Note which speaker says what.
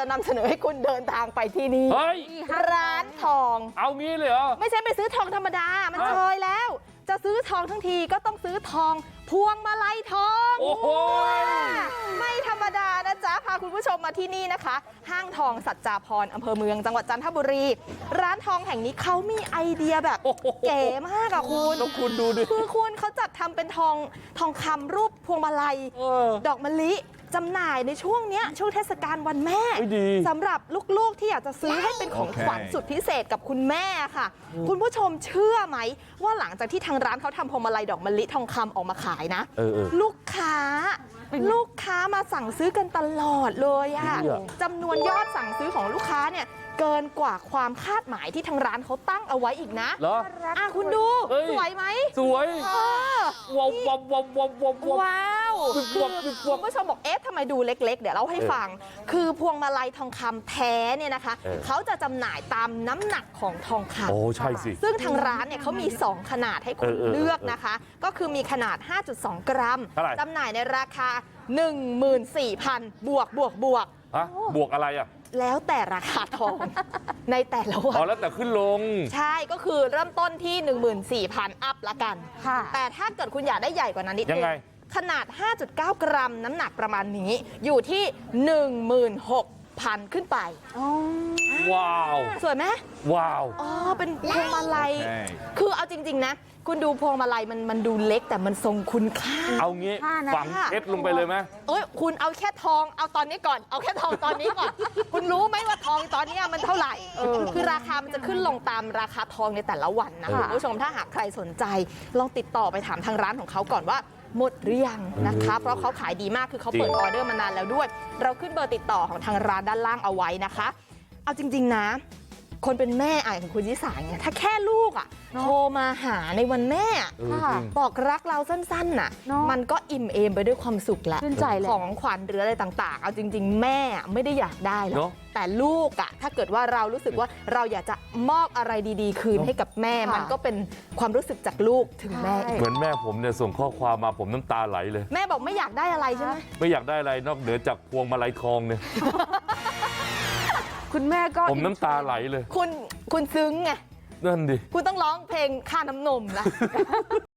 Speaker 1: จะนำเสนอให้คุณเดินทางไปที่นี่ร้านทอง
Speaker 2: เอางี้เลยเหรอ
Speaker 1: ไม่ใช่ไปซื้อทองธรรมดามันเคยแล้วจะซื้อทองทั้งทีก็ต้องซื้อทองพวงมาลัยทอง
Speaker 2: โอ้โห
Speaker 1: ไม่ธรรมดานะจ๊ะพาคุณผู้ชมมาที่นี่นะคะห้างทองสัจจาภรณ์อำเภอเมืองจังหวัดจันทบุรีร้านทองแห่งนี้เขามีไอเดียแบบเก๋มากอะคุณ
Speaker 2: ต้องคุณดูดิ
Speaker 1: คือคุณเขาจัดทำเป็นทองคำรูปพวงมาลัยดอกมะลิจำหน่ายในช่วงนี้ช่วงเทศกาลวันแม่สำหรับลูกๆที่อยากจะซื้อให้เป็นของขวัญสุดพิเศษกับคุณแม่ค่ะคุณผู้ชมเชื่อไหมว่าหลังจากที่ทางร้านเขาทำพวงมาลัยดอกมะลิทองคำออกมาขายนะลูกค้ามาสั่งซื้อกันตลอดเลยอะจำนวนยอดสั่งซื้อของลูกค้าเนี่ยเกินกว่าความคาดหมายที่ทางร้านเขาตั้งเอาไว้อีกนะ
Speaker 2: เหรอ
Speaker 1: คุณดูสวยไหม
Speaker 2: สวยว้าว
Speaker 1: ว้าวคุณผู้ชมบอกเอ๊ะทำไมดูเล็กๆเดี๋ยวเล่าให้ฟังคือพวงมาลัยทองคำแท้เนี่ยนะคะเขาจะจำหน่ายตามน้ำหนักของทองคำ
Speaker 2: โอ้ใช่สิ
Speaker 1: ซึ่งทางร้านเนี่ยเขามี2ขนาดให้คุณเลือกนะคะก็คือมีขนาด 5.2 กรัมจำหน่ายในราคา 14,000 บวก
Speaker 2: ฮะบวกอะไรอ่ะ
Speaker 1: แล้วแต่ราคาทองในแต่ละวัน
Speaker 2: แล้วแต่ขึ้นลง
Speaker 1: ใช่ก็คือเริ่มต้นที่ 14,000 อัพละกันแต่ถ้าเกิดคุณอยากได้ใหญ่กว่านั้นนิดนึงขนาด 5.9 กรัมน้ำหนักประมาณนี้อยู่ที่ 16,000 ขึ้นไป
Speaker 2: ว้าว
Speaker 1: สวยไหม
Speaker 2: ว้าว
Speaker 1: เป็นพวงมาลัยคือเอาจริงๆนะคุณดูพวงมาลัยมันดูเล็กแต่มันทรงคุณค่า
Speaker 2: เอางี้ฝังเพชรลงไปเลยไหม
Speaker 1: คุณเอาแค่ทองเอาตอนนี้ก่อนเอาแค่ทองตอนนี้ก่อนคุณรู้ไหมว่าทองตอนนี้มันเท่าไหร่คือราคามันจะขึ้นลงตามราคาทองในแต่ละวันนะคุณผู้ชมถ้าหากใครสนใจลองติดต่อไปถามทางร้านของเขาก่อนว่าหมดหรือยังนะคะเพราะเขาขายดีมากคือเขาเปิดออเดอร์มานานแล้วด้วยเราขึ้นเบอร์ติดต่อของทางร้านด้านล่างเอาไว้นะคะเอาจริงๆนะคนเป็นแม่ของคุณยิสาเนี่ยถ้าแค่ลูกโทรมาหาในวันแม่บอกรักเราสั้นๆน่ะมันก็อิ่มเอมไปด้วยความสุขแล้วของขวัญหรืออะไรต่างๆเอาจริงๆแม่ไม่ได้อยากได้หรอกแต่ลูกถ้าเกิดว่าเรารู้สึกว่าเราอยากจะมอบอะไรดีๆคืนให้กับแม่มันก็เป็นความรู้สึกจากลูกถึงแม่
Speaker 2: เหมือนแม่ผมเนี่ยส่งข้อความมาผมน้ำตาไหลเลย
Speaker 1: แม่บอกไม่อยากได้อะไรใช่ไหม
Speaker 2: ไม่อยากได้อะไรนอกเหนือจากพวงมาลัยทองเนี่ย
Speaker 3: คุณแม่ก็
Speaker 2: ผมน้ำตาไหลเลย
Speaker 1: คุณซึ้งไง
Speaker 2: นั่นดิ
Speaker 1: คุณต้องร้องเพลงค่าน้ำนมละ